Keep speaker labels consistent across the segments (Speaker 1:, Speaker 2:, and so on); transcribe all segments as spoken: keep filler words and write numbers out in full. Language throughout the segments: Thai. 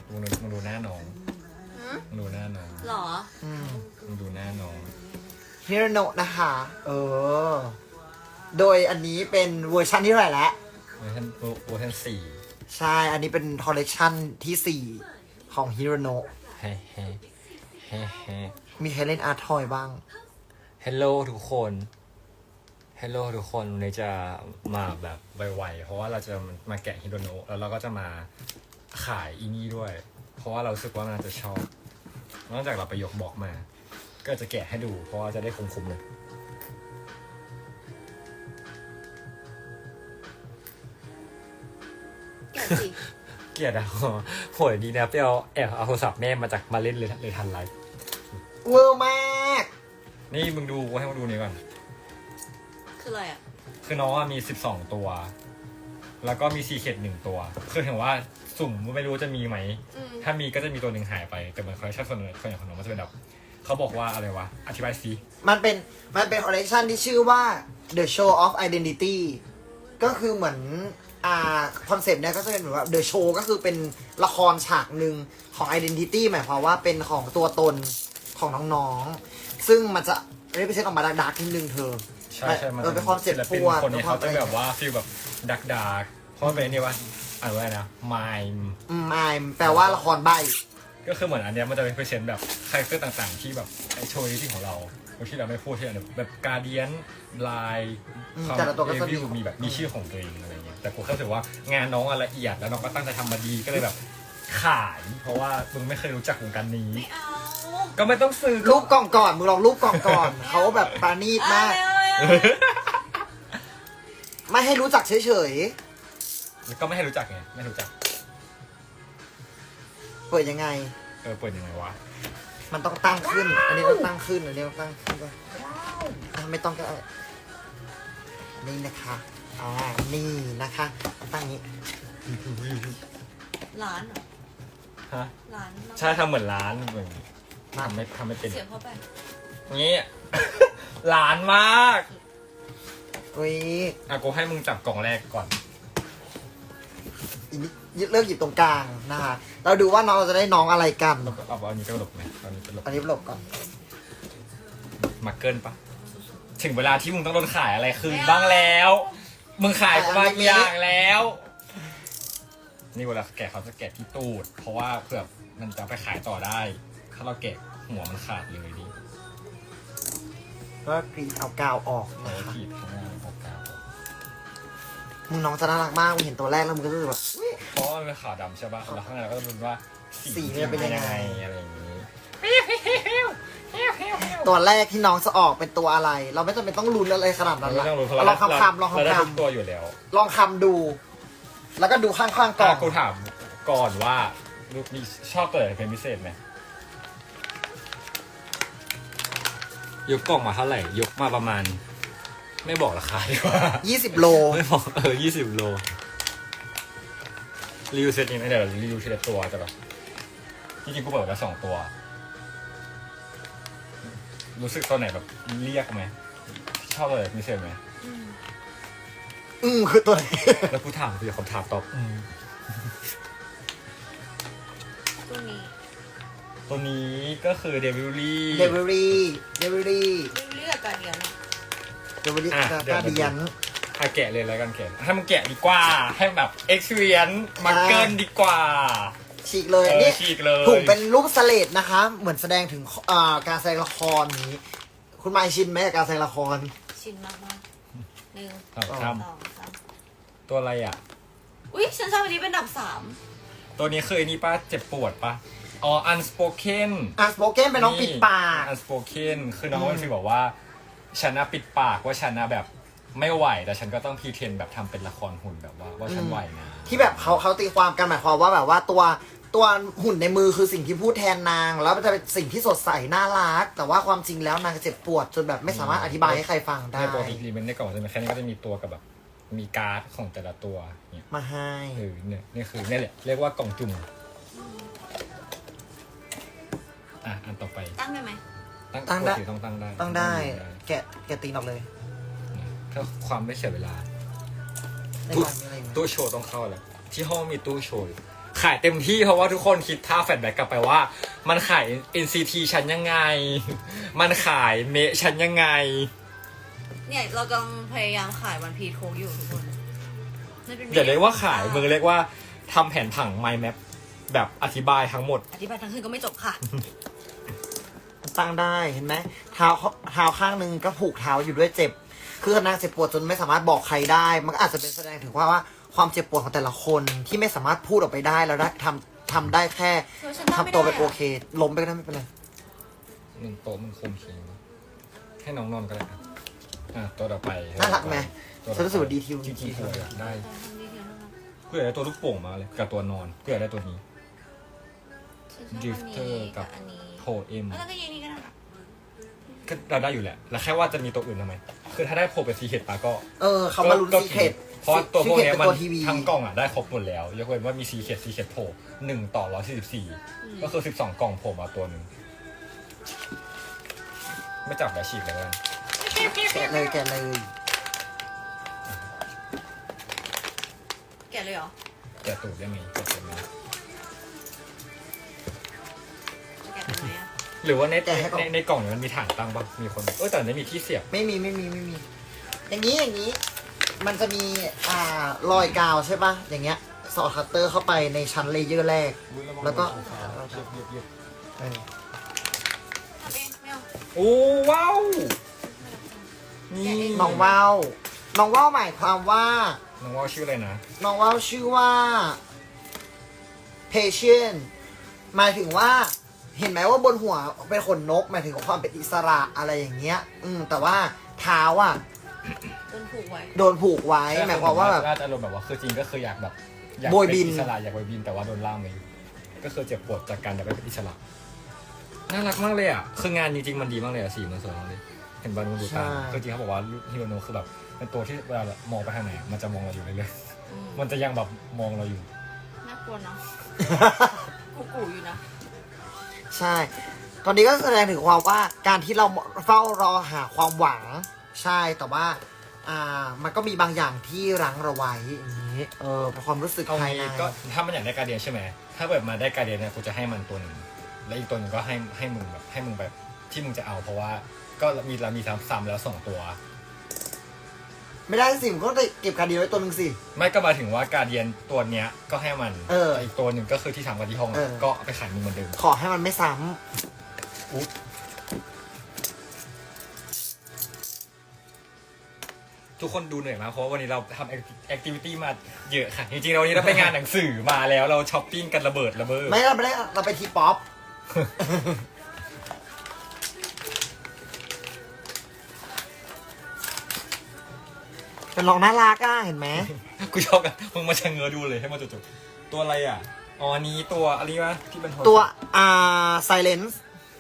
Speaker 1: มึงดูมึงดูหน้าน้องมึงดูหน้าน้อง
Speaker 2: หรอ
Speaker 3: อืม
Speaker 1: มึงดูหน้าน้อง
Speaker 3: ฮิโรโนะนะคะ เออ โดยอันนี้เป็นเวอร์ชันที่เท่าไหร่แล้ว
Speaker 1: เวอร์ชันเวอร์ชันสี่
Speaker 3: ใช่ อันนี้เป็นคอลเลกชันที่สี่ของฮิโรโนะ
Speaker 1: เฮ้เฮ้เฮ้เฮ้
Speaker 3: มีใครเล่นอาร์ทอยบ้าง
Speaker 1: ฮัลโหลทุกคน ฮัลโหลทุกคนวันนี้จะมาแบบไวๆ เพราะว่าเราจะมาแกะฮิโดโนะแล้วเราก็จะมาขายอีนี่ด้วย เพราะว่าเรารู้สึกว่ามันจะชอบ นอกจากเราไปยกบอกมา ก็จะแกะให้ดู เพราะว่าจะได้คุ้มๆเลย
Speaker 2: แกะสิ
Speaker 1: เกลียดอ่ะโหยดีนะไปเอาแอบเอาโทรศัพท์แม่มาจากมาเล่นเลยเลยทันไลฟ์
Speaker 3: เวอร์มาก
Speaker 1: นี่มึงดูกูให้มึงดูนี่ก่อน
Speaker 2: คืออะไรอ่ะ
Speaker 1: คือน้องอะมีสิบสองตัว แล้วก็มีซีเคดหนึ่งตัว คือถึงว่าสุ่มไม่รู้จะมีไหม
Speaker 2: อืม
Speaker 1: ถ้ามีก็จะมีตัวหนึ่งหายไป แต่เหมือนคอลเลคชันส่วนส่วนใหญ่ของน้องมันจะเป็นแบบเขาบอกว่าอะไรวะ อธิบายซิ
Speaker 3: มันเป็น มันเป็นคอลเลกชันที่ชื่อว่า The Show of Identity ก็คือเหมือน อ่า คอนเซปต์เนี่ยก็จะเป็นเหมือนว่า The Show ก็คือเป็นละครฉากหนึ่งของ Identity หมายความว่าเป็นของตัวตนของน้องๆ ซึ่งมันจะเรียกไปเช็คออกมาดักๆนิดนึงเธอ
Speaker 1: ใช่ใช่มัน
Speaker 3: เออเป็นคอนเซ็ปต์
Speaker 1: ศิลปิน
Speaker 3: ทั่ว
Speaker 1: คนนี้เขาจะ
Speaker 3: เป็นความ
Speaker 1: แบบว่าฟีลแบบดักดาร์กเพราะมันเป็นนี่ว่าอ่านว่าอะไรนะมาย
Speaker 3: อืมอ่าแปลว่าละครใบ
Speaker 1: ก็คือเหมือนอันเนี้ยมันจะเป็นเพอร์เซนต์แบบคาแรคเตอร์ต่างๆ ที่แบบไอโชว์ที่ของเราที่เราไม่พูดที่เราแบบการเดียนลาย
Speaker 3: อืม
Speaker 1: ความ
Speaker 3: แต่ละตัวก็
Speaker 1: เอ
Speaker 3: จะมี
Speaker 1: วิวมีแบบมีชื่อของตัวเองอะไรเงี้ยแต่กูเข้าใจว่างานน้องอะละเอียดแล้วน้องก็ตั้งใจทำมาดีก็เลยแบบขาย เพราะว่ามึงไม่เคยรู้จักวงการนี้
Speaker 2: ไม่เอา
Speaker 1: ก็ไม่ต้องซื้อ
Speaker 3: รูปกล่องก่อนมึงลองรูปกล่องก่อน เขาแบบปราณีตมาก
Speaker 2: เอาเลยเอาเลย
Speaker 3: ไม่ให้รู้จักเฉย
Speaker 1: ก็ไม่ให้รู้จักไงไม่รู้จัก
Speaker 3: ๆ เปิดยังไง
Speaker 1: เออเปิดยังไงวะ
Speaker 3: มันต้องตั้งขึ้น อันนี้ต้องตั้งขึ้น อันนี้ต้องตั้งขึ้นด้วยอ่ะไม่ต้องก็ได้นี่นะคะ อ่า นี่นะคะตั้งนี้
Speaker 2: ร้านเหรอ
Speaker 1: ฮะ
Speaker 2: ร้าน
Speaker 1: ใช่ทำเหมือนร้านเหมือนทำไม่ทำไม่เป็น
Speaker 2: เสียงเข้าไป
Speaker 1: งี้ ร้านมาก
Speaker 3: อุ้ย
Speaker 1: อ่ะกูให้มึงจับกล่องแรกก่อน
Speaker 3: อีกนิดเลือกหยิบตรงกลางนะคะ เราดูว่าน้องจะได้น้องอะไรกัน
Speaker 1: แล้วก็เอาอันนี้ไปหลบไหมเอาอันนี้ไปหลบ
Speaker 3: อันนี้หลบก่อน
Speaker 1: มาเกินปะถึงเวลาที่มึงต้องโดนขายอะไรคืนบ้างแล้ว มึงขายบางอย่างแล้ว นี่เวลาแกะเขาจะแกะที่ตูด เพราะว่าเผื่อมันจะไปขายต่อได้ ถ้าเราแกะหัวมันขาดเลยดิ
Speaker 3: ก็กรีดเอากาวออก
Speaker 1: เรา
Speaker 3: นะคะ
Speaker 1: ขีดข้างหน้าออกกาว
Speaker 3: มึงน้องจะน่ารักมากมึงเห็นตัวแรกแล้วมึงก็จะแบบอุ๊ย
Speaker 1: เพราะว่ามันเป็นขาวดำใช่ปะแล้วข้างในเราก็จะรู้ว่า
Speaker 3: สีมันเป็นยังไง
Speaker 1: อะไรอย่างนี้
Speaker 3: ตัวแรกที่น้องจะออกเป็นตัวอะไร เราไม่จำเป็นต้องลุ้นอะไรขนาดนั้น
Speaker 1: เรา
Speaker 3: ละ
Speaker 1: ไม่ต้องรู้เพราะ
Speaker 3: ล
Speaker 1: เรา
Speaker 3: องคำคำลอง
Speaker 1: เราได้
Speaker 3: คำค
Speaker 1: ทุกตัวอยู่แล้ว
Speaker 3: ำลองคำดู แล้วก็ดูข้างๆกล่
Speaker 1: ก่
Speaker 3: อ
Speaker 1: อง นกูถามก่อนว่าลูกมีชอบตัวไหนเป็นพิเศษไหมยกกล่องมาเท่าไหร่ ยกมาประมาณ ไม่บอกราคาดีกว่า
Speaker 3: ยี่สิบโล
Speaker 1: ไม่บอกเออยี่สิบโลรีวิวเซตนี้นะเดี๋ยวรีวิวทีละตัวแต่แบบจริงๆกูเปิดแล้วสองตัว รู้สึกตัวไหนแบบเรียกไหมชอบตัวไหนพิเศษไหม
Speaker 2: อืม
Speaker 3: อืมคือตัวไหน
Speaker 1: แล้วกูถามกูอยากคำถามตอบอืม
Speaker 2: ตัวนี้
Speaker 1: ตัวนี้ก็คือเดวิลลี่
Speaker 3: เดวิรี่เดวิรี่
Speaker 2: เรียกกันเดียวนะ
Speaker 3: เดวิรี่
Speaker 1: อ่ะ
Speaker 3: กา
Speaker 1: เดี๋ยว
Speaker 3: เดียน
Speaker 1: ให้แกะเลยแล้วกันแกะให้มันแกะดีกว่า ให้แบบ experience มาเกินดีกว่า
Speaker 3: ฉีกเลย
Speaker 1: เออ
Speaker 3: นี่
Speaker 1: ฉีกเลย
Speaker 3: ถุงเป็นรูปสเลดนะคะ เหมือนแสดงถึงอ่าการแสดงละครนี้ คุณมายชินไหมกับการแสดงละคร
Speaker 2: ชินมากมากหนึ่ง
Speaker 1: ครับ
Speaker 2: สอง
Speaker 1: ครับ
Speaker 2: สาม
Speaker 1: ตัวอะไรอ่ะ
Speaker 2: อุ้ยฉันชอบอันนี้เป็นอันดับสาม
Speaker 1: ตัวนี้คือไอ้นี่ป้าเจ็บปวดปะอ๋อ unspoken
Speaker 3: อ่ะสโปเกนเป็นน้องปิดปาก
Speaker 1: unspoken คือน้อง
Speaker 3: อืม
Speaker 1: มันฟีลบอกว่าฉันนะปิดปากว่าฉันนะแบบไม่ไหวแต่ฉันก็ต้องพรีเทนแบบทำเป็นละครหุ่นแบบว่าว่าฉันไหวนะ
Speaker 3: ที่แบบเขาเขาตีความกันหมายความว่าแบบว่าตัวตัวหุ่นในมือคือสิ่งที่พูดแทนนาง แล้วมันจะเป็นสิ่งที่สดใสน่ารัก แต่ว่าความจริงแล้วนางเจ็บปวดจนแบบไม่สามารถอธิบายให้ใครฟังได้
Speaker 1: ในโปรตีนในกล่องจะมีแค่นี้ก็จะมีตัวกับแบบมีการ์ดของแต่ละตัวเนี่ย
Speaker 3: มาให้
Speaker 1: เออเนี่ยนี่คือเนี่ยแหละเรียกว่ากล่องจุ่มอ่ะอันต่อไป
Speaker 2: ตั้งได้ไหม
Speaker 1: ตั้ง
Speaker 3: ตั้งได้
Speaker 1: ปกติต้องตั้งได้
Speaker 3: ต้องได้ แกะแกะตีนออกเลย
Speaker 1: ถ้าความไม่เสียเวลา
Speaker 3: ในกล่องมีอะไรไหม
Speaker 1: ตู้โชว์ต้องเข้าแล้วที่ห้องมีตู้โชว์ขายเต็มที่เพราะว่าทุกคนคิดท่าแฟลชแบ็กกลับไปว่า มันขาย เอ็น ซี ที ชั้นยังไง มันขายเมะชั้นยังไง
Speaker 2: เนี่ยเรากำลังพยายามขายวันพีโคกอยู่ทุกคนมันเป็น
Speaker 1: อย่าเรียกว่าขายมึงเรียกว่าทำแผนผัง mind map แบบอธิบายทั้งหมด
Speaker 2: อธิบายทั้งคืนก็ไม่จบค่ะ
Speaker 3: ตั้งได้เห็นไหมเท้าเท้าข้างหนึ่งก็ผูกเท้าอยู่ด้วยเจ็บ คือนางเจ็บปวดจนไม่สามารถบอกใครได้ มันก็อาจจะเป็นแสดงถึงว่าว่าความเจ็บปวดของแต่ละคนที่ไม่สามารถพูดออกไปได้แล้วได้ทำทำได้แค่
Speaker 2: เดี๋ยวฉันทำไม่
Speaker 3: ทำตัวเป็น
Speaker 2: ได้อะ
Speaker 3: โอเค ล้มไปก็ได้ไม่เป็นไร
Speaker 1: หนึ่งโต๊ะมึงคมคิงให้น้องนอนก็ได้ครับอ่ะตัวต่อไป
Speaker 3: น่ารักไหม
Speaker 1: ตัวต่อไป
Speaker 3: ฉันรู้สึกว่าดีทิว
Speaker 1: จริงๆกูอยากได้
Speaker 2: แต่ทำดีเทียวนะคะ
Speaker 1: กูอยากได้ตัวลูกโป่งมาเลยกับตัวนอนกูอยากได้ตัวนี้
Speaker 2: ฉันชอบอัน
Speaker 1: Drifter
Speaker 2: นี้
Speaker 1: กั
Speaker 2: กับบ อันนี้
Speaker 1: โพเอ็ม
Speaker 2: แล้วก็ยีนี่ก็ได้
Speaker 1: ก็เราได้อยู่แหละ แล้วแค่ว่าจะมีตัวอื่นทำไม คือถ้าได้โพเป็นซีเคทปาก็
Speaker 3: เออเขามาลุ้น
Speaker 1: ก็
Speaker 3: ซีเคท
Speaker 1: เพราะตัวพวกเนี้ย
Speaker 3: เป็น
Speaker 1: มัน
Speaker 3: ตัวทีวี
Speaker 1: ทั้งกล่องอ่ะได้ครบหมดแล้วยกเว้นว่ามีซีเคทซีเคทโผล่หนึ่งต่อร้อยสี่สิบสี่ก็คือสิบสองกล่องโผล่มาตัวหนึ่งไม่จับแล้วฉีกเลยกัน
Speaker 3: แกะเลยแกะเลย
Speaker 2: แกะเลยเหรอ
Speaker 1: แกะตูดได้ไหมแกะตูดไหม
Speaker 2: จะแกะทำไมอะ
Speaker 1: หรือว่าในในในกล่องเนี่ยมันมีฐานตั้งบ้างมีคนเออแต่ไม่มีที่เสียบ
Speaker 3: ไม่มีไม่มีไม่มี อย่างนี้อย่างนี้ มันจะมีอ่ารอยกาวใช่ปะอย่างเงี้ยสอดคัตเตอร์เข้าไปในชั้นเลเยอร์แรก แล้วก็ เออ
Speaker 2: ทำเองไม่เอา
Speaker 1: โอ้ว้าวนี่
Speaker 3: น้องว่าวน้องว่าวหมายความว่า
Speaker 1: น้องว่าวชื่ออะไรนะ
Speaker 3: น้องว่าวชื่อว่า patient หมายถึงว่า เห็นไหมว่าบนหัวเป็นขนนกหมายถึงความเป็นอิสระอะไรอย่างเงี้ย อืมแต่ว่าเท้าอ่ะ
Speaker 2: โดนผูกไว้
Speaker 3: โดนผูกไว้หมายความว่าแบบ
Speaker 1: น่าจะอารมณ์แบบว่าคือจริงก็คืออยากแบบอยาก
Speaker 3: โบยบิน
Speaker 1: เป็อิสระอยากโบยบินแต่ว่าโดนล่ามไว้ก็คือเจ็บปวดจากการอยากเป็นอิสระน่ารักมากเลยอ่ะคืองานจริงๆมันดีมากเลยอ่ะสีมันสวยมากเลยเห็นบอลมันดูตามคือจริงเขาบอกว่าฮิโรโนะคือแบบเป็นตัวที่เวลาแบบมองไปทางไหนมันจะมองเราอยู่เรื่อย
Speaker 2: อืม
Speaker 1: ๆมันจะยังแบบมองเราอยู่
Speaker 2: น่ากลัวเนาะกูกูอยู่นะ
Speaker 3: ใช่ ตอนนี้ก็แสดงถึงความว่าการที่เราเฝ้ารอหาความหวัง ใช่แต่ว่า อ่า มันก็มีบางอย่างที่รั้งเราไว้อย่างนี้ เออเป็นความรู้สึก
Speaker 1: เอา
Speaker 3: ภายใน
Speaker 1: งี้ก็ถ้ามันอยากได้การเดียนใช่ไหมถ้าเกิดมาได้การเดียนเนี่ยกูจะให้มันตัวหนึ่งแล้วอีกตัวหนึ่งก็ให้ให้มึงแบบให้มึงแบบที่มึงจะเอาเพราะว่าก็มีเรามีซ้ำๆแล้วสองตัว
Speaker 3: ไม่ได้สิมันก็ได้เก็บการดีไว้ตัวหนึ่งสิ
Speaker 1: ไม่ก็หมายถึงว่าการเดียนตัวเนี้ยก็ให้มัน
Speaker 3: เออ
Speaker 1: แต่อีกตัวหนึ่งก็คือที่ทำกันที่ห้อง
Speaker 3: เออ
Speaker 1: ก็เอาไปขายมึงเหมือนเดิม
Speaker 3: ขอให้มันไม่ซ้
Speaker 1: อุ๊ยทุกคนดูเหนื่อยมากเพราะว่าวันนี้เราทำแอคทิวิตี้มาเยอะค่ะ จริงๆเราวันนี้เราไปงานหนังสือมาแล้วเราช้อปปิ้งกันระเบิดระเบ้อ
Speaker 3: ำไม่เราไม่ได้เราไปทีป๊อป เป็นรองน่ารักอ่ะเห็นไหม
Speaker 1: กูชอบกันมึงมาชะเง้อดูเลยให้มาจุดๆตัวอะไรอ่ะอ๋ออันนี้ตัวอะไรวะที่เป็นโทรศัพท์
Speaker 3: ตัวอ่า silence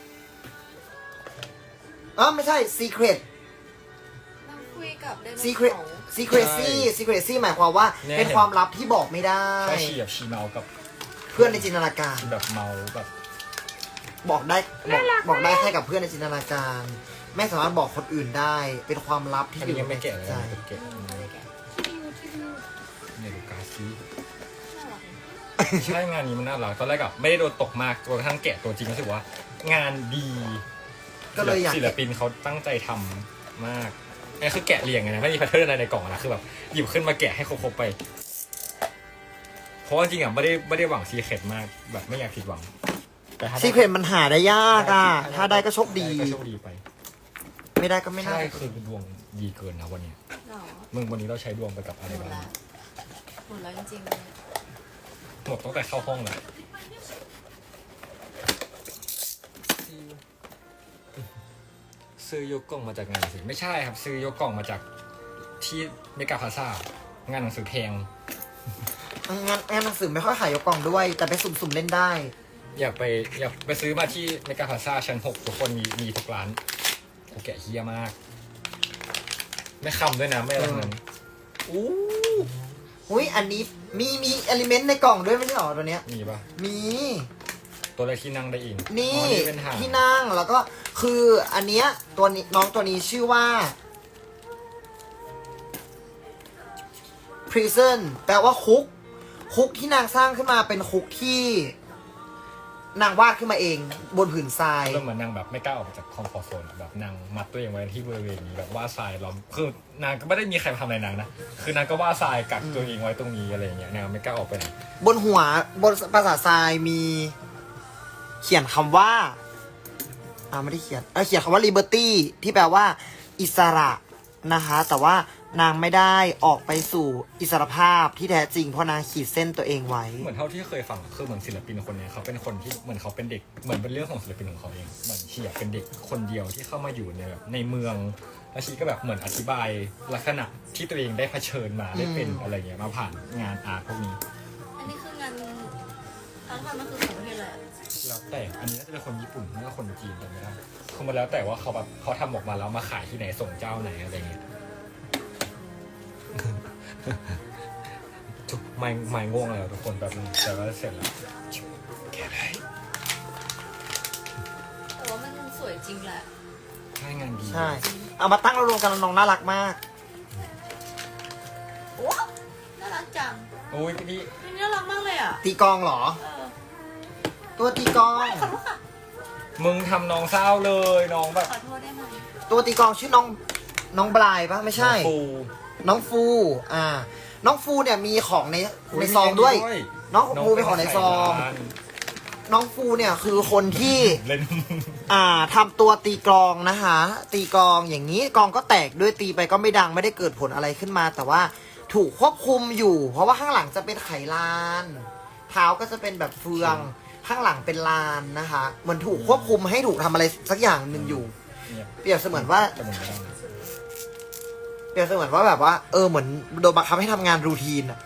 Speaker 3: เออไม่ใช่ secret
Speaker 2: นั่งคุยกับไดโนเสา
Speaker 3: secret
Speaker 2: ร์
Speaker 3: secrecy secrecy หมายความว่าเป็นความลับที่บอกไม่ได้
Speaker 1: ใช่ชีแบบชีเมากับ
Speaker 3: เพื่อนในจินตนาการ
Speaker 1: ชีแบบเมาแบบ
Speaker 3: บอกได้บอกบอกได้แค่กับเพื่อนในจินตนาการ ไม่สามารถบอกคนอื่นได้ เป็นความลับที่
Speaker 1: อัน
Speaker 3: อยู่
Speaker 1: นี้ยังไม่
Speaker 3: ใน
Speaker 1: แกะ
Speaker 3: จิต
Speaker 1: เลย
Speaker 3: ใจ
Speaker 1: นะแกะ
Speaker 2: ไม่ได้แกะที่ดูที่ดู
Speaker 1: เนี่ยดูการ์ดซี
Speaker 2: น่ารัก
Speaker 1: ใช่งานนี้มันน่ารักตอนแรกอะไม่ได้โดนตกมากจนกระทั่งแกะตัวจริงรู้สึกว่า งานดี
Speaker 3: ก็เลยอยาก
Speaker 1: ศิลปินเขาตั้งใจทำมากไอ้คือแกะเรียงไงนะไม่มีแพทเทิร์นอะไรในกล่องนะคือแบบหยิบขึ้นมาแกะให้ครบๆไป เพราะว่าจริงอะไม่ได้ไม่ได้หวังซีเคร็ตมากแบบไม่อยากผิดหวังแต่ถ้าได้
Speaker 3: secret มันหาได้ยากอ่ะ ถ้าได้ก็โชคดี
Speaker 1: ก็โชคดีไป
Speaker 3: ไม่ได้ก็ไม่น่า
Speaker 1: ใช่คือดวงดีเกินนะวันเนี้ย
Speaker 2: หรอ
Speaker 1: มึงวันนี้เราใช้ดวงไปกับอะไร
Speaker 2: หมด
Speaker 1: บ้าง
Speaker 2: แล้วหมดแล้วจริงๆเลย
Speaker 1: หมดตั้งแต่เข้าห้องแล้วซื้อยกกล่องมาจากงานสิไม่ใช่ครับ ซื้อยกกล่องมาจากที่เมกาพาซ่างานหนังสือแพง
Speaker 3: งานงานหนังสือไม่ค่อยขายยกกล่องด้วย แต่ไปสุ่มๆเล่นได้
Speaker 1: อยากไปอยากไปซื้อมาที่เมกาพาซ่าชั้นหกทุกคนมีมีทุกร้านโอแกะเฮียมาก ไม่คำด้วยนะไม่อะไรทั้งนั้นอู้
Speaker 3: อุ้ยอันนี้มีมีเอลิเมนต์ในกล่องด้วยไม่ใช่หรอตัวเนี้ย
Speaker 1: มีปะ
Speaker 3: มี
Speaker 1: ตัวอะไรที่นั่งได้อีก
Speaker 3: นี่
Speaker 1: อ๋อนี่เป็นหาง
Speaker 3: ที่นั่งแล้วก็คืออันเนี้ยตัวนี้น้องตัวนี้ชื่อว่า prison แปลว่าคุกคุกที่นางสร้างขึ้นมาเป็นคุกที่นางวาดขึ้นมาเองบนผืนทราย
Speaker 1: เริ่มเหมือนนางแบบไม่กล้าออกมาจากคอมฟอร์ทโซนอะแบบนางมัดตัวเองไว้ที่บริเวณนี้แบบว่าทรายล้อมคือนางก็ไม่ได้มีใครมาทำอะไรนางนะคือนางก็ว่าทรายกักตัวเองไว้ตรงนี้อะไรอย่างเงี้ยนางไม่กล้าออกไปไหน
Speaker 3: บนหัวบนภาษาทรายมีเขียนคำว่าอ่าไม่ได้เขียนเออเขียนคำว่า liberty ที่แปลว่า อิสระนะคะแต่ว่านางไม่ได้ออกไปสู่อิสรภาพที่แท้จริงเพราะนางขีดเส้นตัวเองไว้
Speaker 1: เหมือนเท่าที่เคยฟังคือเหมือนศิลปินคนเนี้ยเขาเป็นคนที่เหมือนเขาเป็นเด็กเหมือนเป็นเรื่องของศิลปินของเขาเองเหมือนชีอะเป็นเด็กคนเดียวที่เข้ามาอยู่ในแบบในเมืองแล้วชีก็แบบเหมือนอธิบายลักษณะที่ตัวเองได้เผชิญมาได้เป็น
Speaker 3: อืม
Speaker 1: อะไรเงี้ยมาผ่านงานอาร์ตพวกนี้
Speaker 2: อันนี้คืองานทั้งวันมันคือของประเทศอะไรอะ
Speaker 1: แล้วแต่อันนี้น่าจะเป็นคนญี่ปุ่นไม่ก็คนจีนจำไม่ได้คือมันแล้วแต่ว่าเขาแบบเขาทำออกมาแล้วมาขายที่ไหนส่งเจ้าไหนอะไรเงี้ย ทุกไม่ไม่ง่วงแล้วทุกคนแบบนึงแต่ว่าเสร็จแล้วแค่ไหน
Speaker 2: แต่ว่ามันสวยจริงแหละ
Speaker 1: ใช่งานดี
Speaker 3: ใช่เอามาตั้งรวมๆกันแล้วน้องน่ารักมาก
Speaker 2: โอ้น่ารักจัง
Speaker 1: โอ้ยนี่
Speaker 2: นี่น่ารักมากเลยอ่ะ
Speaker 3: ตีกลองเหรอ
Speaker 2: เออ
Speaker 3: ตัวตีกลอง
Speaker 2: ขอโทษค่ะ
Speaker 1: มึงทำน้องเศร้าเลยน้องแบบ
Speaker 2: ขอโทษได้ไหม
Speaker 3: ตัวตีกลองชื่อน้องน้องบลายปะไม่ใช่
Speaker 1: น้องฟู
Speaker 3: น้องฟู อ่า น้องฟูเนี่ยมีของใน
Speaker 1: อุ๊
Speaker 3: ในซองด้วย
Speaker 1: มี
Speaker 3: น้องฟูเป็นของในซอง
Speaker 1: ร้าน
Speaker 3: น้องฟูเนี่ยคือคนที่
Speaker 1: เล่น
Speaker 3: อ่าทำตัวตีกลองนะคะ ตีกลองอย่างนี้กลองก็แตกด้วยตีไปก็ไม่ดังไม่ได้เกิดผลอะไรขึ้นมา แต่ว่าถูกควบคุมอยู่ เพราะว่าข้างหลังจะเป็นไขลาน เท้าก็จะเป็นแบบเฟือง ข้างหลังเป็นลานนะคะเหมือนถูกควบคุมให้ถูกทำอะไรสักอย่างหนึ่งอยู่
Speaker 1: เนี่ย
Speaker 3: เปรียบเสมือนว่า
Speaker 1: จะหมุนไม่ได้นะ
Speaker 3: เปรียบเสมือนว่าแบบว่าเออเหมือนโดนบังคับให้ทำงานรูทีนอะ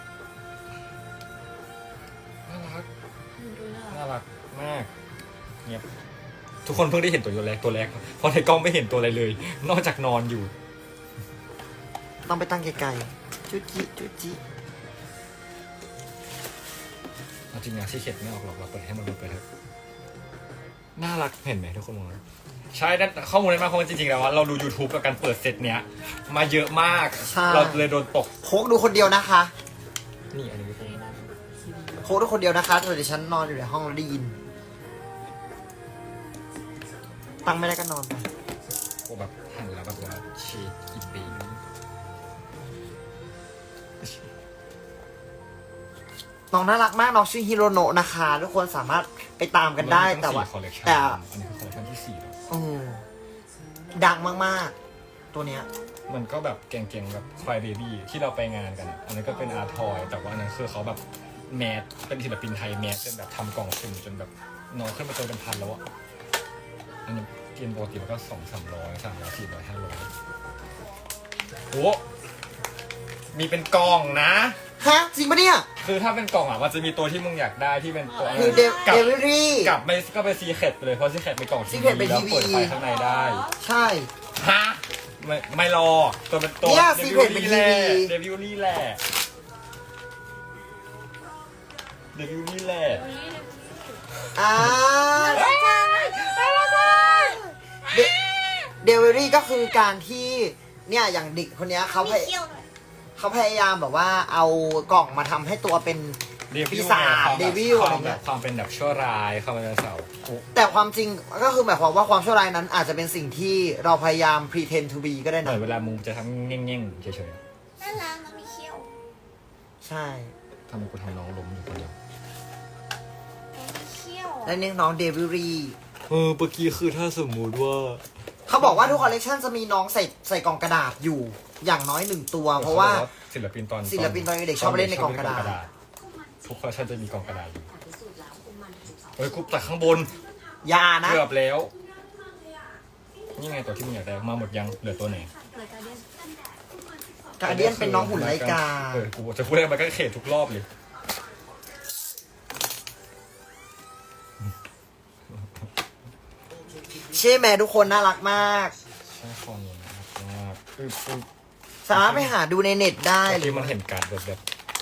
Speaker 1: น่ารัก
Speaker 2: ดูน่ารัก
Speaker 1: น่ารักมากเงียบทุกคนเพิ่งได้เห็นตัวแรกตัวแรกเพราะในกล้องไม่เห็นตัวอะไรเลย นอกจากนอนอยู่
Speaker 3: ต้องไปตั้งไกลๆจุจิจุจิ
Speaker 1: เอาจริงนะที่เข็ดไม่ออกหรอกเราเปิดให้มันเปิดไปเถอะน่ารักเห็นไหมทุกคนมองนะใช่นั่นข้อมูลในมาเพราะว่าจริงๆแล้วว่าเราดู YouTube กับการเปิดเซตเนี้ย มาเยอะมาก เราเลยโดนตก
Speaker 3: โคกดูคนเดียวนะคะ
Speaker 1: นี่อันนี้ก็เป็น
Speaker 3: โคกดูคนเดียวนะคะเดี๋ยวฉันนอนอยู่ในห้องแล้วได้ยิน ตั้งไม่ได้ก็นอนไป
Speaker 1: โอ้แบบหันแล้วแบบว่าชีสอีปี
Speaker 3: น้องน่ารักมากน้องชื่อฮิโรโนะนะคะ ทุกคนสามารถไปตามกันได้แต่ว่า
Speaker 1: คอลเลคชัน
Speaker 3: แต่
Speaker 1: อันนี้คือคอลเลคชันที่สี่แล้ว
Speaker 3: อืมดังมากๆ ตัวเนี้ย
Speaker 1: มันก็แบบเก่งๆแบบควายเบบี้ที่เราไปงานกันอะอันนั้นก็เป็นอาร์ทอยแต่ว่าอันนั้นคือเขาแบบแมสเป็นศิลปินไทยแมสจนแบบทำกล่องสุ่มจนแบบน้องขึ้นมาจนเป็นพันแล้วอะอันนี้เกณฑ์ปกติมันก็สองสามร้อยสามร้อยสี่ร้อยห้าร้อยโอ้มีเป็นกล่องนะ
Speaker 3: ฮะ จริงปะเนี่ย
Speaker 1: คือถ้าเป็นกล่องอ่ะมันจะมีตัวที่มึงอยากได้ที่เป็นตัว
Speaker 3: คือเด
Speaker 1: กลับ
Speaker 3: วิรี่
Speaker 1: กลับไม่ก็ไปซีเคร็ตไปเลยเพราะซีเคร็ตเป็นกล่องที
Speaker 3: Secret เป็น
Speaker 1: แล้ว
Speaker 3: ทีวี
Speaker 1: เปิดไฟข้างในได้
Speaker 3: ใช่
Speaker 1: ฮะไม่ไม่รอตัวเป็นตัว
Speaker 3: เนี่ย
Speaker 1: เด
Speaker 3: Secret
Speaker 1: วิล
Speaker 3: เป็น
Speaker 1: ลี่แหละ
Speaker 3: ทีวี
Speaker 1: เดวิลลี่แหละเดวิลลี่แหละ
Speaker 3: อ่า
Speaker 2: น่ารักจัง
Speaker 3: เดเดวิรี่ก็คือการที่เนี่ยอย่างเด็กคนเนี้ยเขาพย
Speaker 2: เขี้ยวหน่อย
Speaker 3: เขาพยายามแบบว่าเอากล่องมาทำให้ตัวเป็น
Speaker 1: เดวิ
Speaker 3: ปี
Speaker 1: ล
Speaker 3: ศาจ
Speaker 1: ความ
Speaker 3: เด
Speaker 1: แบบ
Speaker 3: วิล
Speaker 1: ควา
Speaker 3: อะไร
Speaker 1: ม
Speaker 3: เงี้
Speaker 1: แบ
Speaker 3: ย
Speaker 1: บความเป็นแบบชั่วร้ายความเป็นเสาร์
Speaker 3: แต่ความจริงก็คือหมายความว่าความชั่วร้ายนั้น อาจจะเป็นสิ่งที่เราพยายาม pretend to be ก็ได้
Speaker 1: เหมื
Speaker 3: นะ
Speaker 1: อนเวลามึงจะทำเง่งๆเฉย
Speaker 2: น่ารักมันมีเขี้ยว
Speaker 3: ใช่
Speaker 1: ๆทำไมกูทำน้องล้มอยู่คนเดียว
Speaker 2: มันมีเขี้ยว
Speaker 3: และนี่น้องเดวิรี่
Speaker 1: เออเมื่อกี้คือถ้าสมมุติว่า
Speaker 3: เขาบอกว่าทุกคอลเลคชันจะมีน้องใส่ใส่กล่องกระดาษอยู่อย่างน้อยหนึ่งตัว เพราะว่า
Speaker 1: ศิลปินตอน
Speaker 3: ศิลปินตอนเด็กชอบเล่นในกล่องกระดาษ
Speaker 1: ทุกคอลเลคชันจะมีกล่องกระดาษอยู่เฮ้ยกูตัดข้างบน
Speaker 3: อยานะ
Speaker 1: เกือบแล้ว นี่ไงตัวที่มึงอยากได้มาหมดยังเหลือตัวไหน
Speaker 2: เลยการเดียน
Speaker 3: การเดียนเป็นน้องหุ่นไลกา
Speaker 1: เออกูจะพูดอะไรมันก็เขตทุกรอบเลย
Speaker 3: ใช่ไหมทุกคนน่ารักมาก
Speaker 1: ใช่คอนี้นะครับมากปึ๊บปึ๊บ
Speaker 3: สามารถไปหาดูในเน็ตได้หรื
Speaker 1: ที่
Speaker 3: อ
Speaker 1: มันเห็นการ์ดแบบแบบ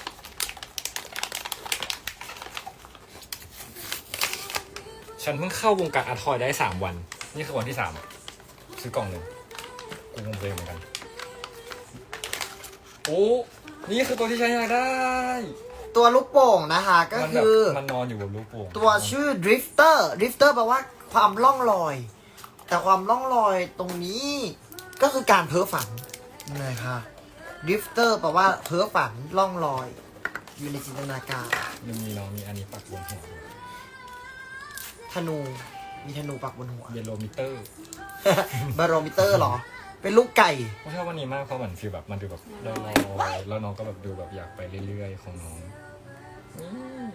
Speaker 1: ฉันเพิ่งเข้าวงการอาร์ทอยได้สามวัน นี่คือวันที่สามซื้อกล่องหนึ่งกูงงเลยเหมือนกัน โอ้ นี่คือตัวที่ฉันอยากได้
Speaker 3: ตัวลูกโป่งนะคะก็
Speaker 1: มันแบบ
Speaker 3: คือ
Speaker 1: มันนอนอยู่บนลูกโป่ง
Speaker 3: ตัวชื่อ drifter drifter แปลว่าความล่องลอย แต่ความล่องลอยตรงนี้ก็คือการเพ้อฝันเลยค่ะ drifter แปลว่าเพ้อฝันล่องลอย อยู่ในจินตนาการ
Speaker 1: ยังมีน้องมีอันนี้ปักบนหัวด้วย
Speaker 3: ธนูมีธนูปักบนหัว
Speaker 1: เยลโลมิเตอร์
Speaker 3: บารโรมิเตอร์เหรอ เป็นลูกไก่
Speaker 1: ผมชอบวันนี้มากเพราะเหมือนฟีลแบบมันดูแบบลอยๆแล้วน้องก็แบบดูแบบอยากไปเรื่อยๆของน้องนี่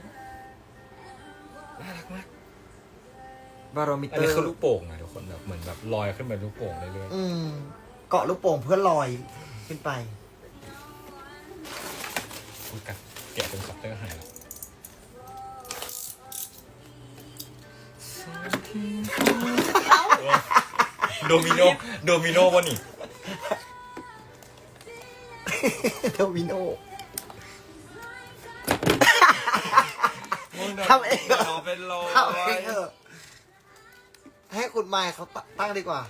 Speaker 1: น่ารักมาก
Speaker 3: บารโรมิ
Speaker 1: อั
Speaker 3: เต
Speaker 1: น
Speaker 3: อ
Speaker 1: นี้
Speaker 3: ร์
Speaker 1: คือลูกโป่งนะทุกคนแบบเหมือนแบบลอยขึ้นไปลูกโป่งเรื่อย
Speaker 3: อืมเกาะลูกโป่งเพื่อลอยขึ้นไป
Speaker 1: ๆอุ๊ยกัดแกะเป็นคัตเตอร์หายแล้วโดมิโนโดมิโนวะนี่
Speaker 3: โดมิโน ทำเองเหรอ
Speaker 1: น้องเป็นรอย
Speaker 3: เอาเองเถอะให้คุณไมค์เขาตั้งดีกว่า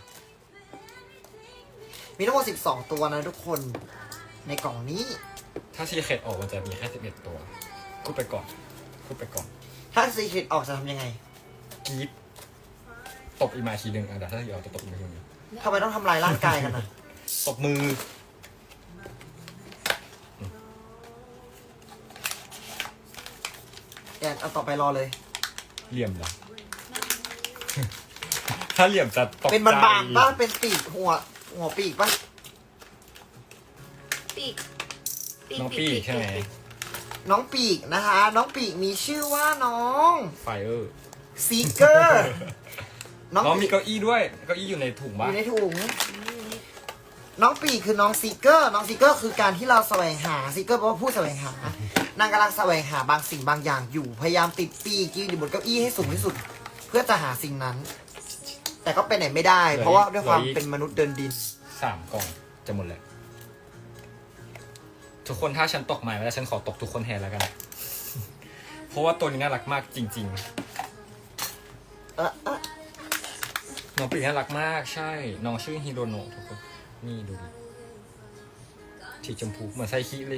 Speaker 3: มีทั้งหมดสิบสองตัวนะทุกคนในกล่องนี้
Speaker 1: ถ้าซีเคดออกมันจะมีแค่สิบเอ็ดตัวพูดไปก่อนพูดไปก่อน
Speaker 3: ถ้าซีเคร็ตออกจะทำยังไง
Speaker 1: กรีดตบอีกมาทีหนึ่งอ่ะเดี๋ยวถ้าซีออกจะตบอีกมาทีหนึง
Speaker 3: ทำไมต้องทำลายร่างกายกันนะ
Speaker 1: ตบมือ
Speaker 3: แอนเอาต่อไปรอเลย
Speaker 1: เหลี่ยมเหรอ ถ้าเหลี่ยมจะตกใจ
Speaker 3: เป็นบานๆป่ะเป็นปีกหัว หัวปีกป่ะ
Speaker 2: ปีก
Speaker 1: น้องปีกใช่ไหม
Speaker 3: น้องปีกนะคะ น้องปีกมีชื่อว่าน้อง
Speaker 1: ไฟเออร์
Speaker 3: ซีเกอร์
Speaker 1: น้องมีเก้าอี้ด้วยเก้าอี้อยู่ในถุง
Speaker 3: อ
Speaker 1: บ้า
Speaker 3: ยู่ในถุง น้องปีกคือน้องซีเกอร์ น้องซีเกอร์คือการที่เราแสวงหาซีเกอร์แปลว่าผู้แสวงหา นางกำลังแสวงหาบางสิ่งบางอย่างอยู่ พยายามติดปีกยืนอยู่บนเก้าอี้ให้สูงที่สุด เพื่อจะหาสิ่งนั้น แต่ก็ไปไหนไม่ได้ เพราะว่าด้วยความเป็นมนุษย์เดินดิน
Speaker 1: สามกล่องจะหมดแล้วทุกคนถ้าฉันตกใหม่แล้วฉันขอตกทุกคนแทนแล้วกัน เพราะว่าตัวนี้น่ารักมากจริง
Speaker 3: เออเออ
Speaker 1: ๆ น้องปีกน่ารักมากใช่ น้องชื่อฮิโรโนะทุกคนนี่ดูดิสีชมพูเหมือนไซคิเลย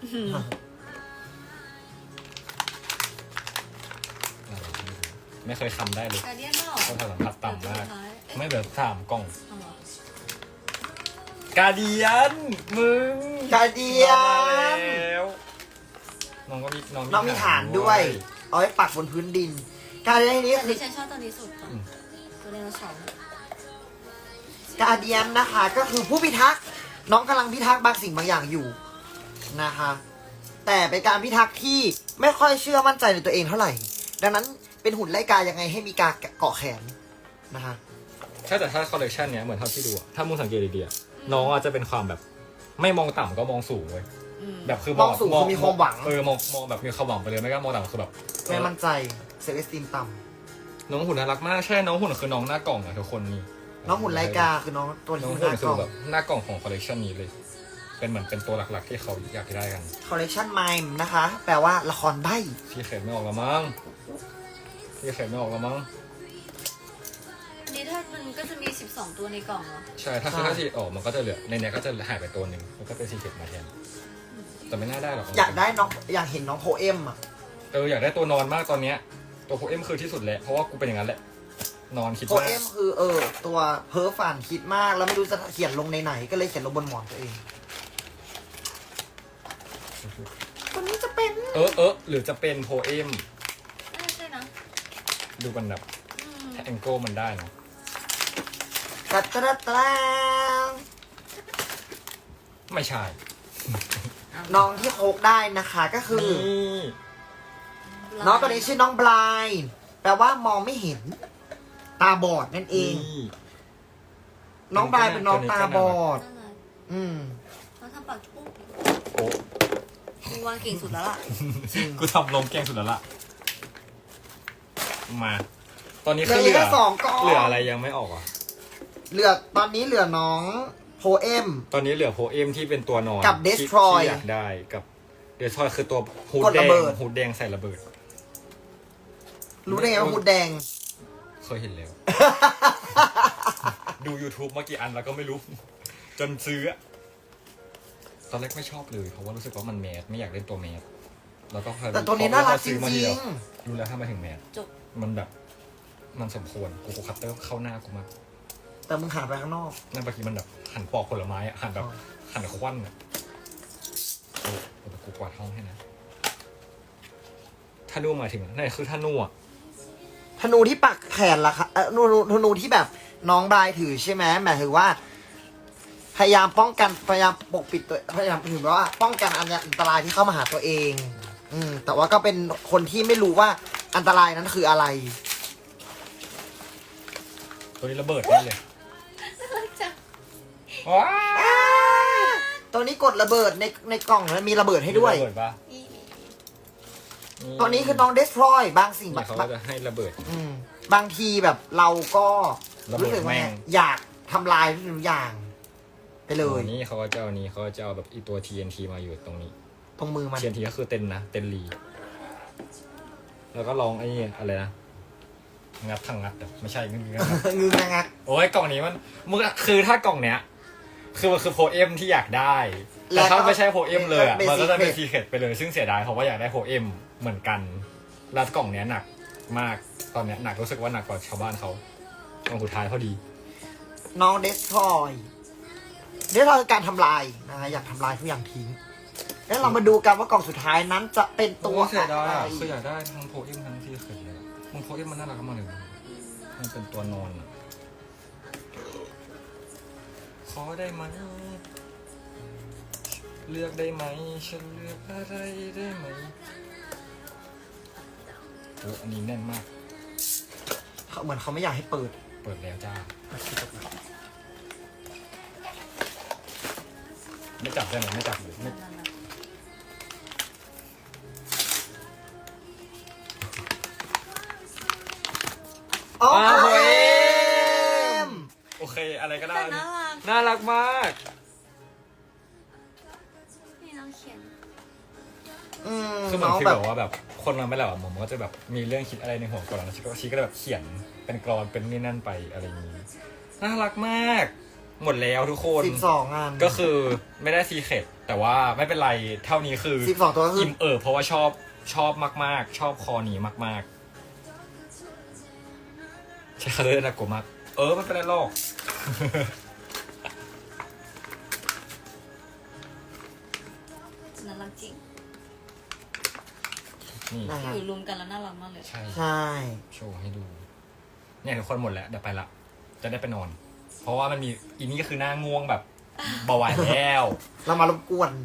Speaker 1: ไม่เคยคำได้เลย
Speaker 2: การเดียนไม่หรอ
Speaker 1: ต้องสัมผัสต่ำมาก
Speaker 2: เอ๊ะ
Speaker 1: ไม่เหลือสามกล่อง
Speaker 2: เอาเหรอ
Speaker 1: กาเดียน มึง
Speaker 3: กาเดีย
Speaker 1: มาน แล้วน้องก็มีน้อง
Speaker 3: น้องมีฐานด้วย เอาไว้ปักบนพื้นดิน กาเดียนนี้
Speaker 2: แต่
Speaker 3: คือ
Speaker 2: ที่ฉันชอบตัวนี้สุดค่ะตัวไดโนเสาร์
Speaker 3: กาเดียนนะคะ ก็คือผู้พิทักษ์ น้องกำลังพิทักษ์บางสิ่งบางอย่างอยู่นะคะ แต่เป็นการพิทักษ์ที่ไม่ค่อยเชื่อมั่นใจในตัวเองเท่าไหร่ ดังนั้นเป็นหุ่นไล่กายังไงให้มีกาเกาะแขนนะคะ
Speaker 1: ใช่แต่ถ้าคอลเลกชันเนี้ยเหมือนเท่าที่ดูอะถ้ามึงสังเกตดีๆอะน้องอาจจะเป็นความแบบ ไม่มองต่ำก็มองสูงเว้ย
Speaker 2: อืม
Speaker 1: แบบคือ
Speaker 3: มองสูงคือมีความหวัง
Speaker 1: เออมองมองแบบมีความหวังไปเลยไม่ก็มองต่ำคือแบบ
Speaker 3: ไม่มั่นใจเซลล์เอสติมต่
Speaker 1: น้องหุ่นน่ารักมากใช่น้องหุ่นคือน้องหน้ากล่องอะทุกคนนี่
Speaker 3: ำน้องหุ่นไล่กาคือน้องตัว
Speaker 1: น้
Speaker 3: นี้
Speaker 1: อง
Speaker 3: คือห
Speaker 1: หุ่น
Speaker 3: น้า
Speaker 1: คื
Speaker 3: กล่
Speaker 1: อ
Speaker 3: อง
Speaker 1: แบบหน้ากล่องของคอลเลกชันนี้เลย เป็นเหมือนเป็นตัวหลักๆที่เขาอยากได้กัน
Speaker 3: คอลเลกชันไมม์นะคะ แปลว่าละครใบ้
Speaker 1: พี่เขตไม่ออกแล้วมั้งพี่เขตไม่ออกแล้วมั้ง
Speaker 2: อันนี้ถ้ามันก็จะมีสิบสองตัวในกล่องเหรอ
Speaker 1: ใช่ถ้าคือถ้าสีออกมันก็จะเหลือในเนี้ยก็จะหายไปตัวหนึ่งแล้วก็เป็นสีเขตมาแทนแต่ไม่น่าได้หรอก
Speaker 3: อยากได้น้องอยากเห็นน้องโพเอมอ่ะ
Speaker 1: เอออยากได้ตัวนอนมากตอนเนี้ยตัวโพเอมคือที่สุดแหละเพราะว่ากูเป็นอย่างนั้นแหละนอนคิด
Speaker 3: โพ
Speaker 1: มาก
Speaker 3: เอมคือเออตัวเพ้อฝันคิดมากแล้วไม่รู้จะเขียนลงในไหนก็เลยเขียนลงบนหมอนตัวเองคนนี้จะเป็น
Speaker 1: เออเออหรือจะเป็นโพเอม
Speaker 2: น่าใช่นะ
Speaker 1: ดูกันแบบ
Speaker 2: อืม
Speaker 1: ถ้าแองเกิลมันได้เนอะ
Speaker 3: ตัดตะตะ
Speaker 1: ไม่ใช่
Speaker 3: น้องที่โคกได้นะคะก็คือ
Speaker 1: นี่
Speaker 3: น้องตัวนี้ชื่อน้องบลายแปลว่ามองไม่เห็น ตาบอดนั่นเอง
Speaker 1: นี่
Speaker 3: น้องบลายเป็นน้องตาบอด
Speaker 2: น่ารัก
Speaker 3: อืม
Speaker 2: เขาทำปากจุ๊บ
Speaker 1: โอ้
Speaker 2: มึงวางเก่งสุดแล้วล่ะ
Speaker 1: กูทำลมแกล้งสุดแล้วล่ะมา ตอนนี้
Speaker 3: เหลื
Speaker 1: คือ อเหลื
Speaker 3: แค่
Speaker 1: อ
Speaker 3: สองกล่อง
Speaker 1: เหลืออะไรยังไม่ออกอ่ะ
Speaker 3: เหลือตอนนี้เหลือน้องโพเอม
Speaker 1: ตอนนี้เหลือโพเอมที่เป็นตัวนอน
Speaker 3: กับ
Speaker 1: ที่
Speaker 3: Destroy
Speaker 1: ที่อยากได้กับเดสทรอยคือตัวฮูด
Speaker 3: กด
Speaker 1: แด
Speaker 3: ระ
Speaker 1: ง
Speaker 3: เบิด
Speaker 1: ฮูดแดงใส่ระเบิด
Speaker 3: รู้ได้ไงว่าหูดแดง
Speaker 1: เคยเห็นแล้ว ดู YouTube มากี่อันแล้วก็ไม่รู้ จนซื้ออะตอนแรกไม่ชอบเลยเพราะว่ารู้สึกว่ามันแมสไม่อยากเล่นตัวแมสแล้วก็
Speaker 3: แต่ตัวนี้น่ารักจ
Speaker 1: ซื้อมาที
Speaker 3: ริ
Speaker 1: เดี
Speaker 3: ง
Speaker 1: ยวรู้แล้วถ้ามาถึงแมส
Speaker 2: จบ
Speaker 1: มันแบบ มันสมควรกูกูคัตเตอร์เข้าหน้ากูมาก
Speaker 3: ๆ แต่มึงหันไปข้างนอก
Speaker 1: นั่นบางทีมันแบบหั่นปอกผลไม้อะหั่นแบบ
Speaker 3: อ๋อ
Speaker 1: หั่นควันอะโอ้โหแต่กูกวาดห้องให้นะถ้านูหมายถึงนั่นคือถ้านูอะ
Speaker 3: ธนูที่ปักแขนล่ะคะเออธนูธนูที่แบบน้องบรายถือใช่ไหมหมายถึงว่า พยายามป้องกันพยายามปกปิดตัวพยายามถือว่า ป้องกันอันตรายที่เข้ามาหาตัวเอง อืม แต่ว่าก็เป็นคนที่ไม่รู้ว่าอันตรายนั้นคืออะไร
Speaker 1: ตัวนี้ระเบิดได้เลย
Speaker 2: จ้ะ
Speaker 1: ว้า
Speaker 3: ตัวนี้กดระเบิดในในกล่องแล้วมีระเบิดให้ด้วย
Speaker 1: ระเบิดปะ
Speaker 2: นี่
Speaker 3: ตัวนี้คือน้องเดสทรอยบางสิ่ง
Speaker 1: เนี่
Speaker 3: แบ
Speaker 1: ยเขา
Speaker 3: บ
Speaker 1: ก็จะให้ระเบิด
Speaker 3: อืมบางทีแบบเราก็
Speaker 1: ระเบิด
Speaker 3: รู้สึกว่า
Speaker 1: แม่ง
Speaker 3: อยากทำลายทุกอย่าง ไปเลย
Speaker 1: อันนี้เขาก็จะเอานี้เขาก็จะเอาแบบอีตัว ที เอ็น ที มาอยู่ตรงนี้
Speaker 3: ตรงมือมัน
Speaker 1: ที เอ็น ที ก็คือเต็นนะเต็นลีแล้วก็ลองไอ้นี่อะไรนะงัดทางงัดอะไม่ใช่งัดงัด
Speaker 3: งึงงัก
Speaker 1: โอ้ยกล่องนี้มันมึงคือถ้ากล่องเนี้ย คือมันคือโพเอมที่อยากได้แต่ถ้าไม่ใช่โพเอมเลยอ่ะมันก็จะเป็นซีเคร็ตไปเลยซึ่งเสียดายเพราะว่าอยากได้โพเอมเหมือนกันแล้วกล่องเนี้ยหนักมากตอนเนี้ยหนักรู้สึกว่าหนักกว่าชาวบ้านเขากล่องสุดท้ายพอดี
Speaker 3: น้องเดสทรอยเดสทรอยคือการทำลายนะฮะอยากทำลายทุกอย่างทิ้งแล้วเรามาดูกันว่ากล่องสุดท้ายนั้นจะเป็นตัว
Speaker 1: เสียดาย
Speaker 3: อะไร
Speaker 1: อ่ะคืออยากได้ทั้งโพเอมทั้งซีเคร็ตเลยมึงโพเอมมันน่ารักมากเลยมันเป็นตัวนอนอ่ะขอได้ไหมเลือกได้ไหมฉันเลือกอะไรได้ไหมโอ้อันนี้แน่นมาก
Speaker 3: เขาเหมือนเขาไม่อยากให้เปิด
Speaker 1: เปิดแล้วจ้าไม่จับได้ไหมไม่จับหรือไม่
Speaker 3: โอ้
Speaker 1: อ้าว
Speaker 3: โห
Speaker 1: โอเคอะไรก็ได้
Speaker 2: แต่น่ารัก
Speaker 1: น่ารักมาก
Speaker 2: นี่น้องเขียน
Speaker 3: อืม
Speaker 1: คือเหมือน
Speaker 3: น้อง
Speaker 1: ฟีล
Speaker 3: แบ
Speaker 1: แบบ บว่าแบบคนมันไม่หลับอะผมก็จะแบบมีเรื่องคิดอะไรในหัวก่อนแล้วชีก็ชีก็เลยแบบเขียนเป็นกรอนเป็นนี่นั่นไปอะไรอย่างนี้น่ารักมาก หมดแล้วทุกคน
Speaker 3: สิบสองอัน
Speaker 1: ก็คือไม่ได้ซีเคร็ตแต่ว่าไม่เป็นไรเท่านี้คือ
Speaker 3: สิบสองตัวก็คือ
Speaker 1: อิ่มเออเพราะว่าชอบชอบมากๆ ชอบคอนี้มากๆใช่เขาเลยนะกูมากเออมันเป็นไรหรอก
Speaker 2: น่ารักจริง
Speaker 1: นี่
Speaker 3: นะฮะ
Speaker 2: อยู่รวมกันแล้วน่ารักมากเลย
Speaker 1: ใช่
Speaker 3: ใช่
Speaker 1: โชว์ให้ดู เนี่ยทุกคนหมดแล้วเดี๋ยวไปละ จะได้ไปนอน เพราะว่ามันมีอีนี่ก็คือหน้าง่วงแบบเบาหวานแล้ว
Speaker 3: เรามารบกวน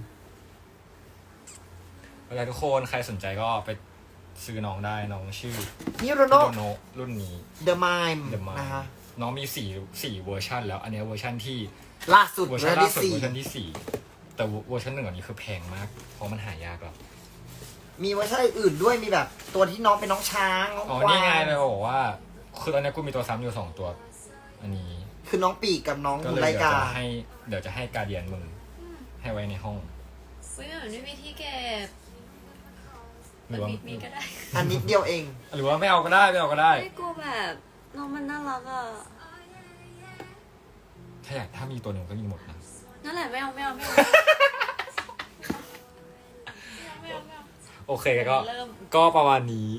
Speaker 1: เวลาทุกคนใครสนใจก็ไปซื้อน้องได้น้องชื่อ
Speaker 3: นิโร
Speaker 1: โน
Speaker 3: โน
Speaker 1: โนรุ่นนี้
Speaker 3: เดอะมาย
Speaker 1: เดอะมา
Speaker 3: นะฮะ
Speaker 1: น้องมีสี่สี่เวอร์ชันแล้ว อันเนี้ยเวอร์ชันที่
Speaker 3: ล่าสุด
Speaker 1: เวอร์
Speaker 3: เว
Speaker 1: ชั
Speaker 3: อน ร์
Speaker 1: ล่า
Speaker 3: ที่
Speaker 1: สุด
Speaker 3: สี่
Speaker 1: เวอร์ชันที่สี่แต่เวอร์ชันหนึ่งอันนี้คือแพงมาก เพราะมันหายากแล้ว
Speaker 3: มีเวอร์ชันอื่นด้วยมีแบบตัวที่น้องเป็นน้องช้างน้อง
Speaker 1: อ๋อก
Speaker 3: วา
Speaker 1: นี่ไง
Speaker 3: ง
Speaker 1: เลยบอกว่า คือตอนนี้กูมีตัวซ้ำอยู่สองตัว อันนี้
Speaker 3: คือน้องปีกกับน้อง
Speaker 1: ก็
Speaker 3: มู
Speaker 1: เลย
Speaker 3: ไร
Speaker 1: เดี๋ยว
Speaker 3: กา
Speaker 1: จะให้เดี๋ยวจะให้การเดียนมึงให้ไว้ในห้อง
Speaker 2: อุ้ยเหมือนไม่มีที่เก็บ
Speaker 1: หรือว่า
Speaker 2: มีมีก็ได้
Speaker 3: อันนิดเดียวเอง
Speaker 1: หรือว่าไม่เอาก็ได้ไม่เอาก็ได้
Speaker 2: ไม่กลัวแบบน้องมันน่ารักอ่ะ
Speaker 1: ถ้าอยากถ้ามีตัวหนึ่งก็มีหมดนะ
Speaker 2: นั่นแหละไม่เอาไม่เอาไม่เอาไม่เอาไม่เอา
Speaker 1: โอเคก็
Speaker 2: เริ่ม
Speaker 1: ก็ประมาณนี้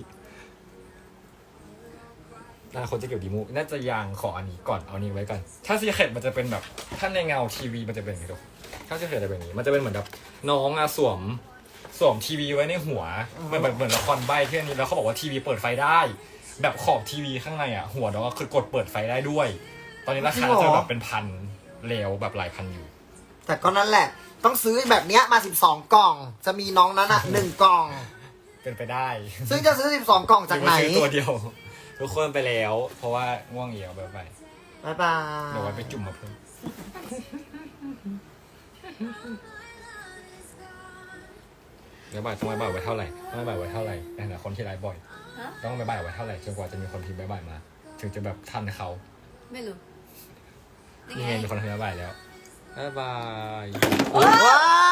Speaker 1: นาคนจะเกี่ยวดีมูน่าจะยังขออันนี้ก่อนเอานี้ไว้ก่อนถ้าซีเคร็ตมันจะเป็นแบบถ้าในเงาทีวีมันจะเป็นอย่างนี้ทุกถ้าซีเคร็ตจะเป็นอย่างนี้มันจะเป็นเหมือนแบบน้องอะสวมสวมทีวีไว้ในหัวเหมือนแบบเหมือนละครใบ้ที่อันนี้แล้วเขาบอกว่าทีวีเปิดไฟได้ แบบขอบทีวีข้างในอะหัวน้องก็คือกดเปิดไฟได้ด้วย ตอนนี้ราคาจะแบบเป็นพันแล้วแบบหลายพันอยู่
Speaker 3: แต่ก็นั่นแหละ ต้องซื้อแบบเนี้ยมาสิบสองกล่อง จะมีน้องนั้นอ่ะหนึ่งกล่อง
Speaker 1: เป็นไปได้
Speaker 3: ซึ่งจะซื้อสิบสองกล่องจากไหน
Speaker 1: รือว่ซื้อตัวเดียว ทุกคนไปแล้ว เพราะว่าง่วงเหี่ยวไปไป
Speaker 3: บ๊ายบาย
Speaker 1: เดี๋ยวไว้ไปจุ่มมาเพิ่มเดี๋ยวบ่ายต้องไปบ่ายไว้เท่าไหร่ต้องไปบ่ายไว้เท่าไหร่ในฐานะคนที่ไลฟ์บ่อย
Speaker 2: ฮะ
Speaker 1: ต้องไปบ่ายไว้เท่าไหร่จนกว่าจะมีคนพิมพ์บ่ายมา ถึงจะแบบทันเขา
Speaker 2: ไม่รู้
Speaker 1: นี่ไงมีคนพิมพ์บ่ายแล้วบ๊ายบาย
Speaker 3: ว้า